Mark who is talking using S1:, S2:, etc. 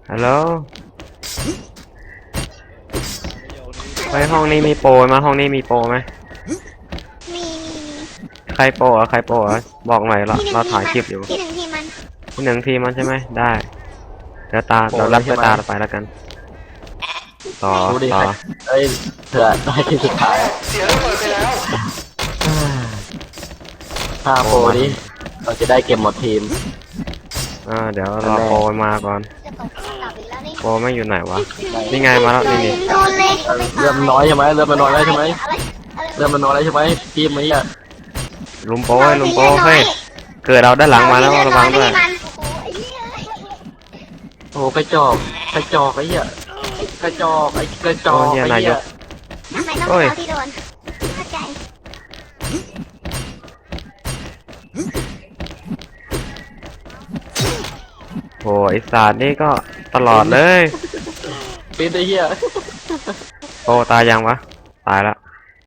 S1: ฮัลโหลไปห้องนี้มีโปรไหมห้องนี้มีโปรไหม
S2: มี
S1: ใครโปรใครโปรบอกหน่อยเราถ่ายคลิปอยู่
S2: ที่หนึ่งที่มัน
S1: ที่หนึ่งทีมันใช่ไหมได้เดี๋ยวเรารับด้วยตาเราไปแล้วกันต่อ
S3: ดูดิ
S1: ต่อ
S3: เอ้ยเผื่อได้ที่สุดท้ายถ้าโปรนี้เราจะได้เก็บหมดทีม
S1: เดี๋ยวรอโปรมาก่อน
S2: จะตกกลับอีกแล้วนี่
S1: โปรไม่อยู่ไหนวะนี่ไงมาแล้วนี่
S2: โดนเลย
S3: เริ่มน้อยใช่ไหมเริ่มมันน้อยแล้วใช่ไหม
S2: อะไร
S3: เริ่มมันน้อยแล้วใช่ไหมทีมนี้อ่ะ
S1: ลุมโปรเฮ้ยเกิดเราด้านหลังมาแล้วระวังด้วย
S3: โอ้กระจอกกระจอกไอ้เหี้ยกระจอกไอ้กระจอกไอ้เหี้ย
S2: ทำไมต้องเป็นเราที่โดนเข้าใจ
S1: โอ้ไอศาสตร์นี่ก็ตลอดเลย
S3: เป็นไอ้เหี้ย
S1: โปรตายยังวะตายแล้ว